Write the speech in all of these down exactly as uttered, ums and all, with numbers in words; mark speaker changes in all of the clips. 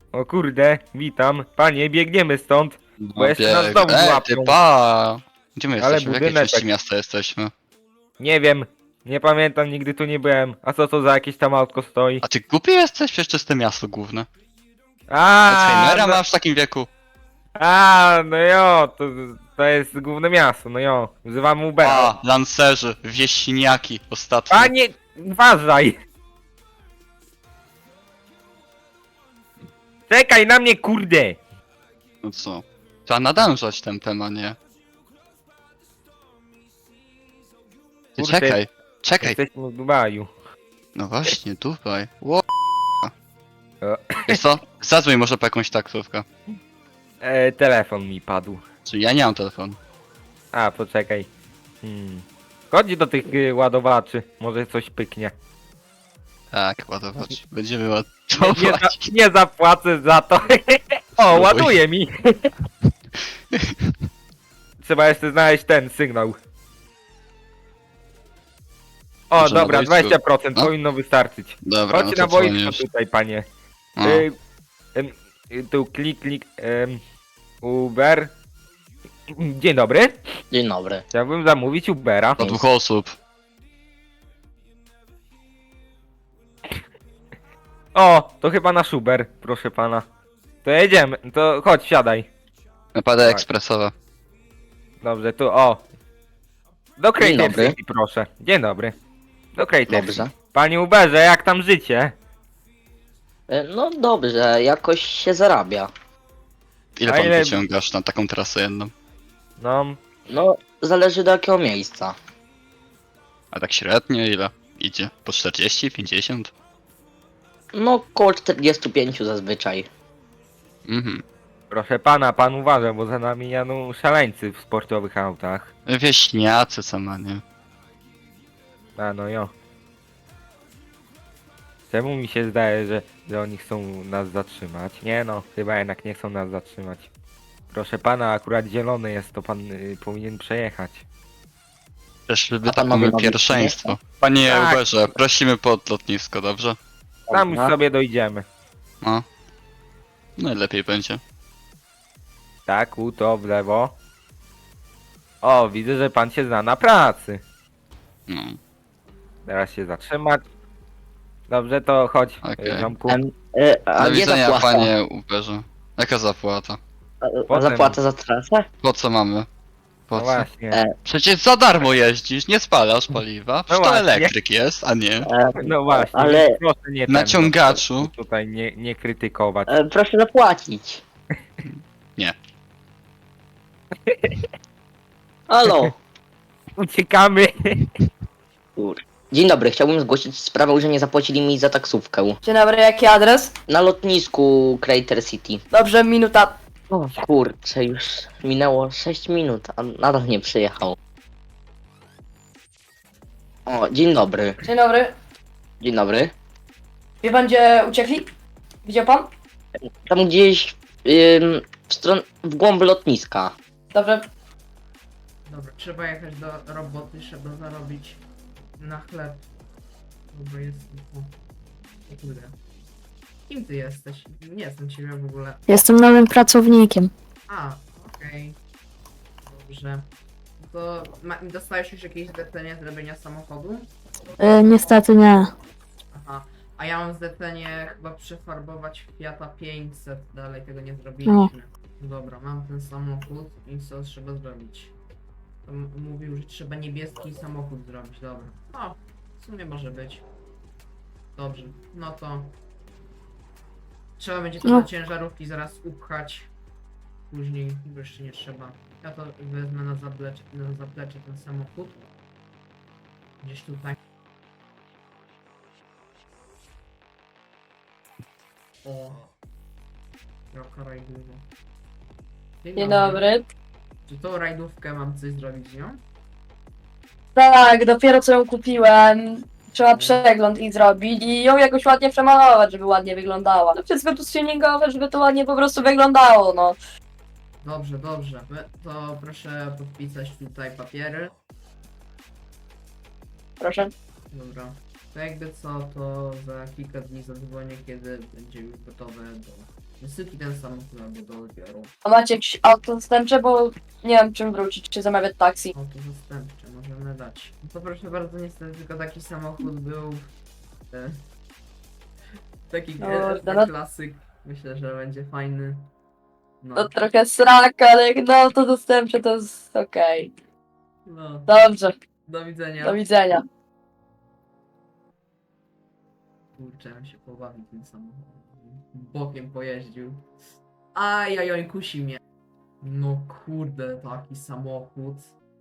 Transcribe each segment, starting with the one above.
Speaker 1: O kurde, witam. Panie, biegniemy stąd,
Speaker 2: No
Speaker 1: bo jeszcze nas
Speaker 2: bieg.
Speaker 1: znowu
Speaker 2: E,
Speaker 1: złapią.
Speaker 2: ty pa! Gdzie my
Speaker 1: Ale
Speaker 2: jesteśmy? W jakiej
Speaker 1: budynek
Speaker 2: części
Speaker 1: tak-
Speaker 2: miasta jesteśmy?
Speaker 1: Nie wiem, nie pamiętam, nigdy tu nie byłem. A co to za jakieś tam autko stoi?
Speaker 2: A ty głupi jesteś? Przecież to jest to miasto główne.
Speaker 1: A,
Speaker 2: Alzheimera
Speaker 1: no,
Speaker 2: masz w takim wieku?
Speaker 1: a, no jo, to, to jest główne miasto, no jo. Wzywam Ubera.
Speaker 2: A, lancerzy, wieśniaki ostatnio.
Speaker 1: Panie, uważaj! Czekaj na mnie, kurde!
Speaker 2: No co? Trzeba nadążać tempem, a nie. Ty
Speaker 1: Kurde.
Speaker 2: czekaj, czekaj.
Speaker 1: Jesteśmy w Dubaju.
Speaker 2: No właśnie, Dubaj. Ło...
Speaker 1: E.
Speaker 2: Wiesz co? Zadzwoń może po jakąś taksówkę.
Speaker 1: E, telefon mi padł.
Speaker 2: Czyli ja nie mam telefonu.
Speaker 1: A, poczekaj. Hmm. Chodź do tych y, ładowaczy, może coś pyknie.
Speaker 2: Tak, ładować. Będziemy
Speaker 1: Nie, nie,
Speaker 2: ładować.
Speaker 1: za, nie zapłacę za to. O,
Speaker 2: Spróbuj.
Speaker 1: ładuje mi. Trzeba jeszcze znaleźć ten sygnał. O,
Speaker 2: Może na
Speaker 1: dobra,
Speaker 2: boisku.
Speaker 1: dwadzieścia procent
Speaker 2: No.
Speaker 1: powinno wystarczyć.
Speaker 2: Dobra, no
Speaker 1: Chodź
Speaker 2: to
Speaker 1: na boisko
Speaker 2: dzwonisz.
Speaker 1: tutaj, panie.
Speaker 2: No.
Speaker 1: Y, em, y, tu klik, klik. em, Uber. Dzień dobry.
Speaker 3: Dzień dobry.
Speaker 1: Chciałbym zamówić Ubera.
Speaker 2: Do dwóch osób.
Speaker 1: O, to chyba nasz Uber, proszę pana. To jedziemy, to chodź, siadaj.
Speaker 2: Napady
Speaker 1: Tak.
Speaker 2: ekspresowe.
Speaker 1: Dobrze, tu o. Do Crater
Speaker 3: dobry.
Speaker 1: City, proszę. Dzień dobry. Do Crater
Speaker 3: Dobrze.
Speaker 1: City. Panie Uberze, jak tam życie?
Speaker 3: E, No dobrze, jakoś się zarabia.
Speaker 2: Ile
Speaker 1: A
Speaker 2: pan
Speaker 1: ile-
Speaker 2: wyciągasz na taką trasę jedną?
Speaker 1: No,
Speaker 3: No, zależy do jakiego miejsca.
Speaker 2: A tak średnio ile? Idzie? Po czterdzieści, pięćdziesiąt?
Speaker 3: No, koło czterdziestu pięciu zazwyczaj.
Speaker 2: Mhm.
Speaker 1: proszę pana, pan uważa, bo za nami jadą szaleńcy w sportowych autach.
Speaker 2: Wieśniacy sama, nie?
Speaker 1: A no jo. Czemu mi się zdaje, że, że oni chcą nas zatrzymać? Nie no, chyba jednak nie chcą nas zatrzymać. Proszę pana, akurat zielony jest, to pan y, powinien przejechać.
Speaker 2: Też
Speaker 3: A
Speaker 2: by
Speaker 3: pan
Speaker 2: tak
Speaker 3: ma
Speaker 2: mamy
Speaker 3: wyrobić,
Speaker 2: pierwszeństwo. Panie
Speaker 1: Tak.
Speaker 2: Uberze, prosimy pod lotnisko, dobrze?
Speaker 1: Tam już
Speaker 3: Dobra.
Speaker 1: sobie dojdziemy.
Speaker 2: No. Najlepiej będzie.
Speaker 1: Tak, u to w lewo. O, widzę, że pan się zna na pracy.
Speaker 2: No.
Speaker 1: Teraz się zatrzymać. Dobrze, to chodź,
Speaker 2: Okej.
Speaker 1: okay. ziomku.
Speaker 3: Em, e, a
Speaker 2: Do
Speaker 3: gdzie
Speaker 2: widzenia,
Speaker 3: zapłata?
Speaker 2: panie Uberze. Jaka zapłata?
Speaker 3: A, a
Speaker 1: Potem.
Speaker 3: zapłata za trasę?
Speaker 2: Po co mamy? Po
Speaker 1: No
Speaker 2: co?
Speaker 1: właśnie.
Speaker 3: E,
Speaker 2: Przecież za darmo jeździsz, nie spalasz paliwa. Przecież to
Speaker 1: właśnie.
Speaker 2: elektryk jest, a nie.
Speaker 3: e,
Speaker 1: No właśnie,
Speaker 3: ale
Speaker 1: więc proszę nie ten,
Speaker 2: Na ciągaczu.
Speaker 1: no, tutaj nie, nie krytykować.
Speaker 3: e, proszę zapłacić.
Speaker 2: Nie.
Speaker 3: Halo.
Speaker 1: Uciekamy.
Speaker 3: Kur. Dzień dobry, chciałbym zgłosić sprawę, że nie zapłacili mi za taksówkę.
Speaker 4: Dzień dobry, jaki adres?
Speaker 3: Na lotnisku Crater City.
Speaker 4: Dobrze, minuta.
Speaker 3: O kurczę, już minęło sześć minut, a nadal nie przyjechał. O, dzień dobry.
Speaker 4: Dzień dobry.
Speaker 3: Dzień dobry.
Speaker 4: Wie pan, gdzie uciekli? Widział pan?
Speaker 3: Tam gdzieś ym, w stronę, w głąb lotniska.
Speaker 4: Dobrze.
Speaker 5: Dobra, trzeba jechać do roboty, trzeba zarobić na chleb. Dobra, jest... O, o kurde. Kim ty jesteś? Nie znam ciebie w ogóle.
Speaker 6: Jestem nowym pracownikiem.
Speaker 5: A, okej. Dobrze. To ma, dostałeś już jakieś zlecenie zrobienia samochodu?
Speaker 6: E, niestety nie.
Speaker 5: Aha. A ja mam zlecenie chyba przefarbować Fiata pięćset, dalej tego nie zrobiliśmy. Dobra, mam ten samochód i co trzeba zrobić? To m- mówił, że trzeba niebieski samochód zrobić, dobra. No, w sumie może być. Dobrze, no to... Trzeba będzie to
Speaker 6: No.
Speaker 5: do ciężarówki zaraz upchać. Później, bo jeszcze nie trzeba. Ja to wezmę na zaplecze, na zaplecze ten samochód. Gdzieś tutaj. O. Jaka rajdówka.
Speaker 4: Dzień dobry.
Speaker 5: Czy tą rajdówkę mam coś zrobić z nią?
Speaker 4: Tak, dopiero co ją kupiłem. Trzeba przegląd i zrobić i ją jakoś ładnie przemalować, żeby ładnie wyglądała. No wszystko tu tuningowe, żeby to ładnie po prostu wyglądało, no.
Speaker 5: Dobrze, dobrze. My- To proszę podpisać tutaj papiery.
Speaker 4: Proszę.
Speaker 5: Dobra. To jakby co, to za kilka dni zadzwonię, kiedy będzie już gotowe do Wysyki ten samochód albo do odbioru.
Speaker 4: A macie jakieś auto zastępcze, bo nie wiem czym wrócić, czy zamawiać taksi.
Speaker 5: Auto zastępcze możemy dać. No to proszę bardzo, niestety tylko taki samochód był. E, taki
Speaker 4: No,
Speaker 5: e,
Speaker 4: no-
Speaker 5: klasyk. Myślę, że będzie fajny. No,
Speaker 4: To trochę srak, ale jak na auto zastępcze to jest okej.
Speaker 5: no.
Speaker 4: Dobrze,
Speaker 5: Do widzenia.
Speaker 4: do widzenia.
Speaker 5: Kurczę, on się pobawił tym samochodem. Bokiem pojeździł. Ajajoj, kusi mnie. No kurde, taki samochód.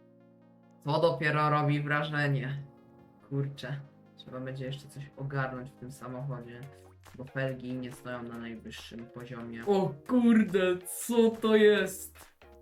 Speaker 5: To dopiero robi wrażenie. Kurczę. Trzeba będzie jeszcze coś ogarnąć w tym samochodzie. Bo felgi nie stoją na najwyższym poziomie. O kurde, co to jest?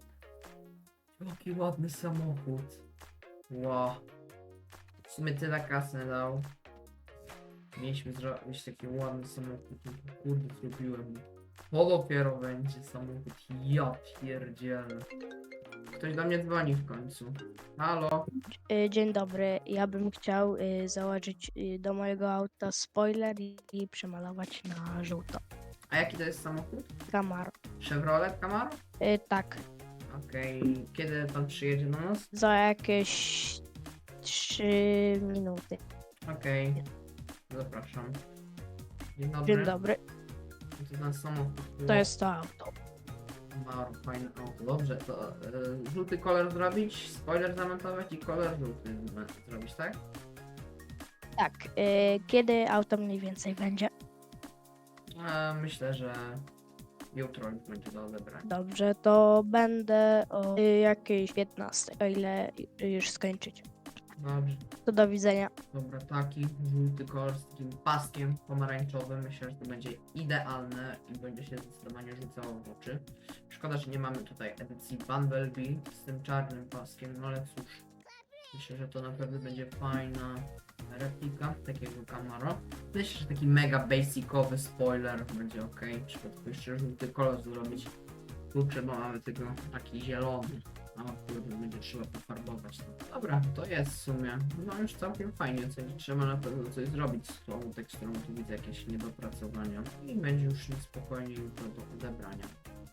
Speaker 5: Jaki ładny samochód. Wow. W sumie tyle kasy dał. Mieliśmy zrobić taki ładny samochód, no to kurde zrobiłem. To dopiero będzie samochód, ja pierdzielę. Ktoś do mnie dzwoni w końcu. Halo?
Speaker 7: Y, Dzień dobry, ja bym chciał y, założyć y, do mojego auta spoiler i, i przemalować na żółto.
Speaker 5: A jaki to jest samochód?
Speaker 7: Camaro.
Speaker 5: Chevrolet Camaro?
Speaker 7: Y, tak,
Speaker 5: Okej, kiedy pan przyjedzie do nas?
Speaker 7: za jakieś trzy minuty.
Speaker 5: Okej, zapraszam. Dzień dobry.
Speaker 7: Dzień dobry,
Speaker 5: To ten samochód.
Speaker 7: to jest to auto.
Speaker 5: Camaro, fajne auto. Dobrze, to y, żółty kolor zrobić, spoiler zamontować i kolor żółty z- zrobić, tak?
Speaker 7: Tak, y, kiedy auto mniej więcej będzie?
Speaker 5: E, myślę, że jutro już będzie do odebrania.
Speaker 7: Dobrze, to będę o y, jakiejś piętnastej, o ile y, już skończycie.
Speaker 5: Dobrze.
Speaker 7: To do widzenia.
Speaker 5: Dobra, taki żółty kolor z takim paskiem pomarańczowym. Myślę, że to będzie idealne i będzie się zdecydowanie rzucało w oczy. Szkoda, że nie mamy tutaj edycji Bumblebee z tym czarnym paskiem, no ale cóż. Myślę, że to naprawdę będzie fajna replika takiego Camaro. Myślę, że taki mega basicowy spoiler będzie ok. Trzeba tylko jeszcze żółty kolor zrobić. Kurczę, bo mamy tylko taki zielony. A kurde, będzie trzeba pofarbować. No. Dobra, to jest w sumie. No już całkiem fajnie. Coś, trzeba na pewno coś zrobić z tą teksturą. Tu widzę jakieś niedopracowania. I będzie już na spokojnie jutro do odebrania.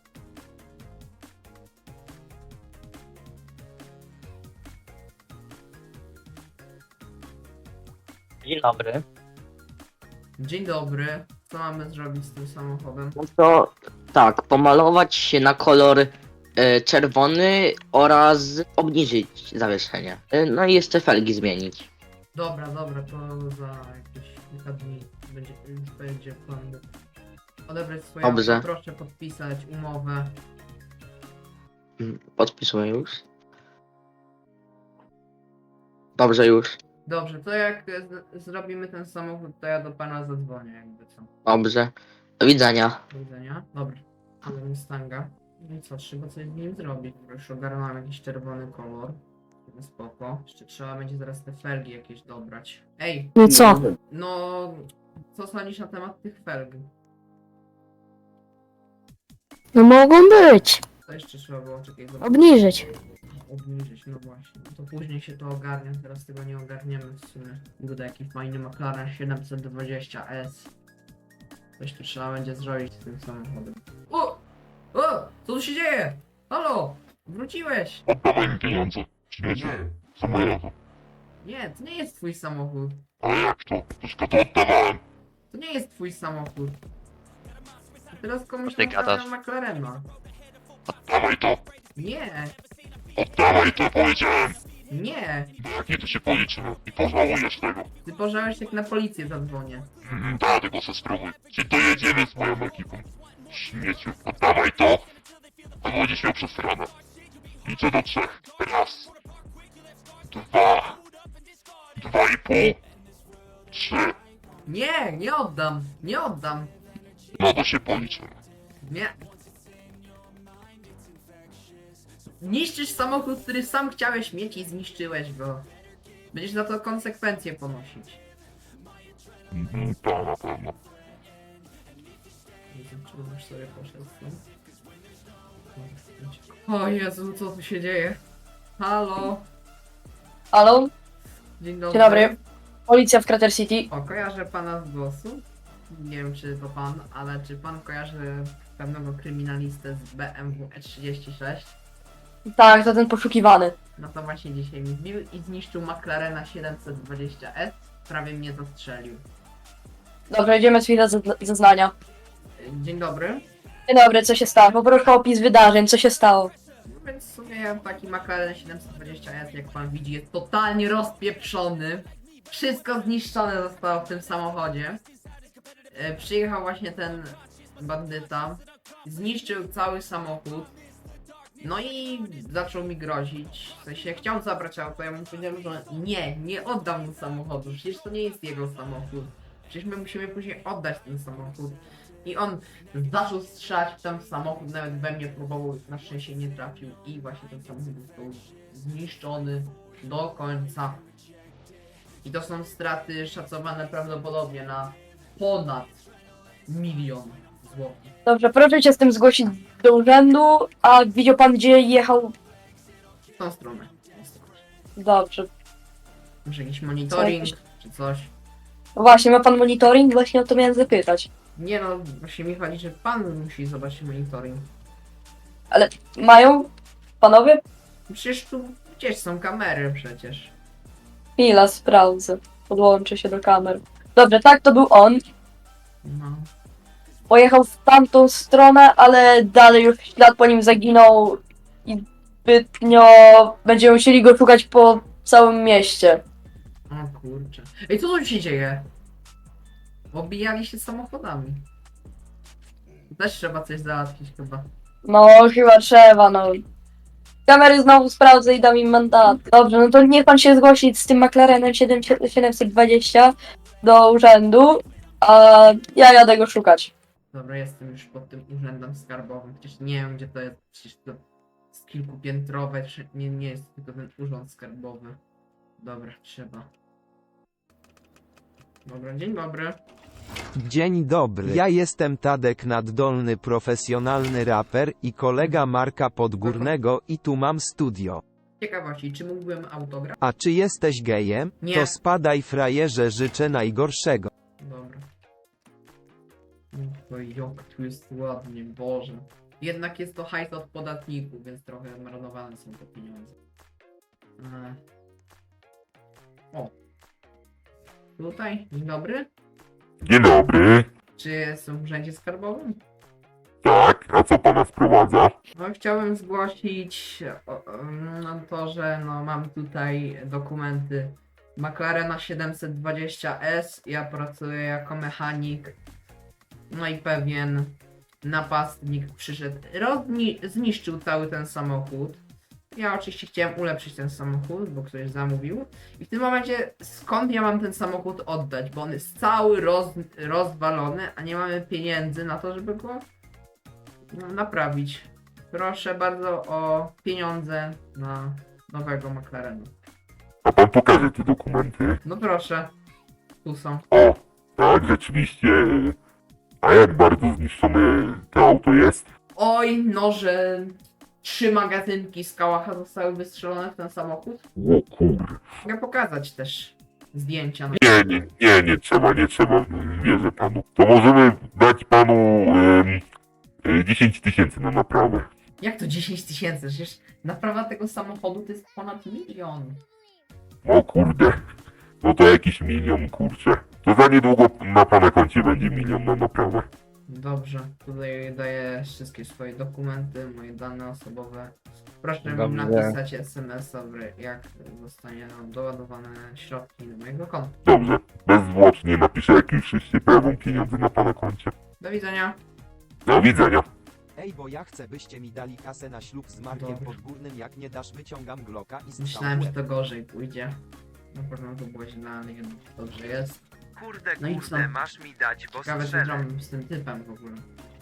Speaker 3: Dzień dobry.
Speaker 5: Dzień dobry. Co mamy zrobić z tym samochodem?
Speaker 3: No to tak, pomalować się na kolor e, czerwony oraz obniżyć zawieszenie. E, no i jeszcze felgi zmienić.
Speaker 5: Dobra, dobra, to za jakieś kilka dni będzie, już będzie pan mógł odebrać swoje
Speaker 3: Dobrze.
Speaker 5: auto. Proszę podpisać umowę.
Speaker 3: Mm, Podpisuję już. Dobrze już.
Speaker 5: Dobrze, to jak e, z- zrobimy ten samochód, to ja do pana zadzwonię, jakby co.
Speaker 3: Dobrze. Do widzenia.
Speaker 5: Do widzenia. Dobra, mamy Mustanga. No i co, trzeba coś z nim zrobić. Już ogarnąłem jakiś czerwony kolor. No spoko. Jeszcze trzeba będzie zaraz te felgi jakieś dobrać. Ej,
Speaker 6: No i co?
Speaker 5: no... Co sądzisz na temat tych felg?
Speaker 6: No mogą być.
Speaker 5: To jeszcze trzeba było czekać.
Speaker 6: Obniżyć.
Speaker 5: Obniżyć, no właśnie. No to później się to ogarnia, teraz tego nie ogarniemy w sumie. Budę jaki fajny McLaren siedemset dwadzieścia S. Coś tu trzeba będzie zrobić z tym samochodem. O! O! Co tu się dzieje? Halo! Wróciłeś!
Speaker 8: Oddawaj mi pieniądze, śmiecie. Za moje auto.
Speaker 5: Nie, to nie jest twój samochód.
Speaker 8: Ale jak to? Wszystko to oddawałem.
Speaker 5: To nie jest twój samochód. A teraz komuś
Speaker 2: Ty
Speaker 5: naprawiam
Speaker 2: gadasz.
Speaker 5: McLarena.
Speaker 8: Oddawaj to.
Speaker 5: Nie!
Speaker 8: Oddawaj to, powiedziałem.
Speaker 5: Nie!
Speaker 8: Jak nie, to się policzymy i pożałujesz tego.
Speaker 5: Ty pożałeś, jak na policję zadzwonię.
Speaker 8: Mm, da, tego se spróbuj. Się dojedziemy z moją ekipą. Śmieciu, oddawaj to. A będziesz miał przesrane. Liczę do trzech. Raz. Dwa. Dwa i pół. Trzy.
Speaker 5: Nie! Nie oddam! Nie oddam!
Speaker 8: No to się policzymy.
Speaker 5: Nie. Niszczysz samochód, który sam chciałeś mieć i zniszczyłeś go. Będziesz za to konsekwencje ponosić.
Speaker 8: Mhm, to na pewno.
Speaker 5: Nie wiem, czy już sobie poszedł stąd. O Jezu, co tu się dzieje? Halo?
Speaker 4: Halo?
Speaker 5: Dzień dobry.
Speaker 4: Dzień dobry. Policja w Crater City.
Speaker 5: O, kojarzę pana z głosu. Nie wiem, czy to pan, ale czy pan kojarzy pewnego kryminalistę z B M W E trzydzieści sześć.
Speaker 4: Tak, to ten poszukiwany.
Speaker 5: No to właśnie dzisiaj mi wbił i zniszczył McLarena siedemset dwadzieścia S. Prawie mnie zastrzelił.
Speaker 4: Dobrze, idziemy z chwilę zezna- zeznania.
Speaker 5: Dzień dobry.
Speaker 4: Dzień dobry, co się stało? Poproszę o opis wydarzeń, co się stało?
Speaker 5: No więc w sumie taki McLaren siedemset dwadzieścia S, jak pan widzi, jest totalnie rozpieprzony. Wszystko zniszczone zostało w tym samochodzie. E, przyjechał właśnie ten bandyta, zniszczył cały samochód. No i zaczął mi grozić. W sensie chciał zabrać auto, ja mu powiedziałem, że nie, nie oddam mu samochodu. Przecież to nie jest jego samochód. Przecież my musimy później oddać ten samochód. I on zaczął strzelać w ten samochód, nawet we mnie próbował, na szczęście nie trafił. I właśnie ten samochód został zniszczony do końca. I to są straty szacowane prawdopodobnie na ponad milion złotych.
Speaker 4: Dobrze, proszę cię z tym zgłosić do urzędu, a widział pan gdzie jechał?
Speaker 5: W tą stronę. W tą stronę.
Speaker 4: Dobrze.
Speaker 5: Może jakiś monitoring, czy coś.
Speaker 4: No właśnie, ma pan monitoring? Właśnie o to miałem zapytać.
Speaker 5: Nie no, właśnie mi chodzi, że pan musi zobaczyć monitoring.
Speaker 4: Mają? Panowie?
Speaker 5: Przecież tu gdzieś są kamery przecież.
Speaker 4: Chwila, sprawdzę. Podłączę się do kamer. Dobrze, tak, to był on.
Speaker 5: No.
Speaker 4: Pojechał w tamtą stronę, ale dalej już ślad po nim zaginął i zbytnio będziemy musieli go szukać po całym mieście.
Speaker 5: O kurczę. Ej, co tu się dzieje? Obijali się samochodami. Też trzeba coś załatwić chyba.
Speaker 4: No, chyba trzeba, no. Kamery znowu sprawdzę i dam im mandat. Dobrze, no to niech pan się zgłosi z tym McLarenem siedemset dwadzieścia do urzędu, a ja jadę go szukać.
Speaker 5: Dobra, jestem już pod tym urzędem skarbowym. Przecież nie wiem gdzie to jest. Przecież to jest kilkupiętrowe. czy- Nie, nie jest tylko ten urząd skarbowy. Dobra, trzeba. Dobra, dzień dobry.
Speaker 9: Dzień dobry. Ja jestem Tadek Naddolny, profesjonalny raper i kolega Marka Podgórnego i tu mam studio.
Speaker 5: Ciekawości, czy mógłbym autograf?
Speaker 9: A czy jesteś gejem?
Speaker 5: Nie.
Speaker 9: To spadaj frajerze, życzę najgorszego.
Speaker 5: Dobra. O, jak tu jest ładnie, Boże. Jednak jest to hajs od podatników, więc trochę marnowane są te pieniądze. E. O. Tutaj, dzień dobry.
Speaker 8: Dzień dobry.
Speaker 5: Czy jestem w urzędzie skarbowym?
Speaker 8: Tak, a co pana sprowadza?
Speaker 5: No chciałbym zgłosić o, o, no, to, że no, mam tutaj dokumenty McLarena siedemset dwadzieścia S. Ja pracuję jako mechanik. No i pewien napastnik przyszedł, rozni- zniszczył cały ten samochód. Ja oczywiście chciałem ulepszyć ten samochód, bo ktoś zamówił. I w tym momencie skąd ja mam ten samochód oddać? Bo on jest cały roz, rozwalony, a nie mamy pieniędzy na to, żeby go no, naprawić. Proszę bardzo o pieniądze na nowego McLarena.
Speaker 8: A pan pokaże te dokumenty?
Speaker 5: No proszę. Tu są.
Speaker 8: O, tak, rzeczywiście. A jak bardzo zniszczone to auto jest?
Speaker 5: Oj, no, że trzy magazynki z kałacha zostały wystrzelone w ten samochód.
Speaker 8: O kur...
Speaker 5: Mogę pokazać też zdjęcia. No.
Speaker 8: Nie, nie, nie, nie trzeba, nie trzeba. Wierzę panu. To możemy dać panu em, e, dziesięć tysięcy na naprawę.
Speaker 5: Jak to dziesięć tysięcy? Przecież naprawa tego samochodu to jest ponad milion.
Speaker 8: O kurde. No to jakiś milion, kurczę. To za niedługo na pana koncie będzie milion na naprawę.
Speaker 5: Dobrze, tutaj daję wszystkie swoje dokumenty, moje dane osobowe. Proszę mi
Speaker 1: Dobrze.
Speaker 5: napisać es em es a, jak zostanie nam doładowane środki do mojego konta.
Speaker 8: Dobrze. Bezzwłocznie napiszę, jak już się pojawią pieniądze na pana koncie.
Speaker 5: Do widzenia.
Speaker 8: Do widzenia.
Speaker 9: Ej, bo ja chcę, byście mi dali kasę na ślub z Markiem
Speaker 5: Dobra.
Speaker 9: Podgórnym, jak nie dasz, wyciągam Glocka i strzał
Speaker 5: Myślałem,
Speaker 9: w
Speaker 5: że
Speaker 9: łeb.
Speaker 5: to gorzej pójdzie. Na pewno to było źle, ale jednak dobrze jest.
Speaker 9: Kurde,
Speaker 5: No i co?
Speaker 9: kurde, masz mi dać, bo
Speaker 5: Ciekawe co
Speaker 9: strzelę.
Speaker 5: zrobił z tym typem w ogóle.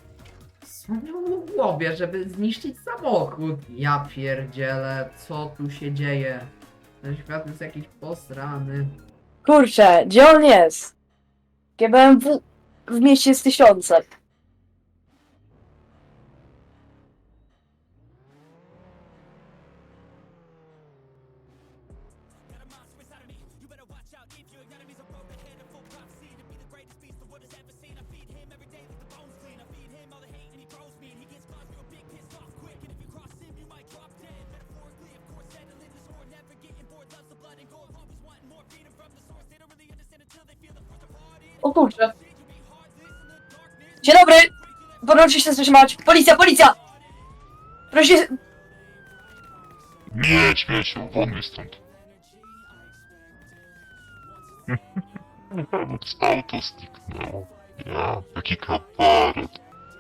Speaker 5: Co miał w głowie, żeby zniszczyć samochód? Ja pierdzielę, co tu się dzieje? Ten świat jest jakiś posrany.
Speaker 4: Kurczę, gdzie on jest? G B M W w mieście jest tysiące. O kurczę. Dzień dobry! Proszę się zatrzymać. Policja, policja! Proszę się...
Speaker 8: Nie, śmieciu, won mi stąd. Nawet z auto zniknęło. Ja, jaki kabaret.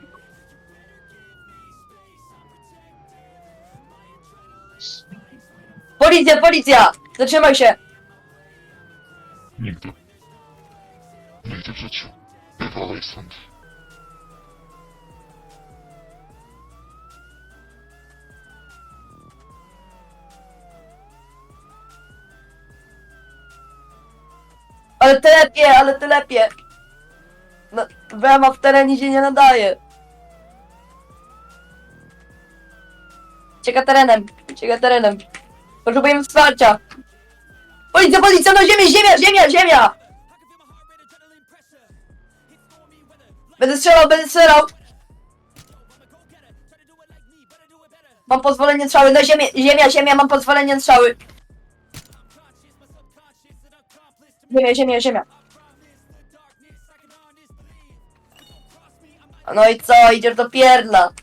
Speaker 4: Policja, policja! Zatrzymaj się!
Speaker 8: Nigdy. Nigdy w życiu. Bywalej stąd.
Speaker 4: Ale telepie, ale telepie! No, Wema w terenie się nie nadaje. Cieka terenem, cieka terenem. Potrzebujemy wsparcia. Policja, policja, no ziemię, ziemia, ziemia, ziemia! Będę strzelał, będę strzelał! Mam pozwolenie na strzały, no ziemię, ziemia, ziemia, mam pozwolenie na strzały. Ziemia, ziemia, ziemia. No i co, idziesz do pierdla.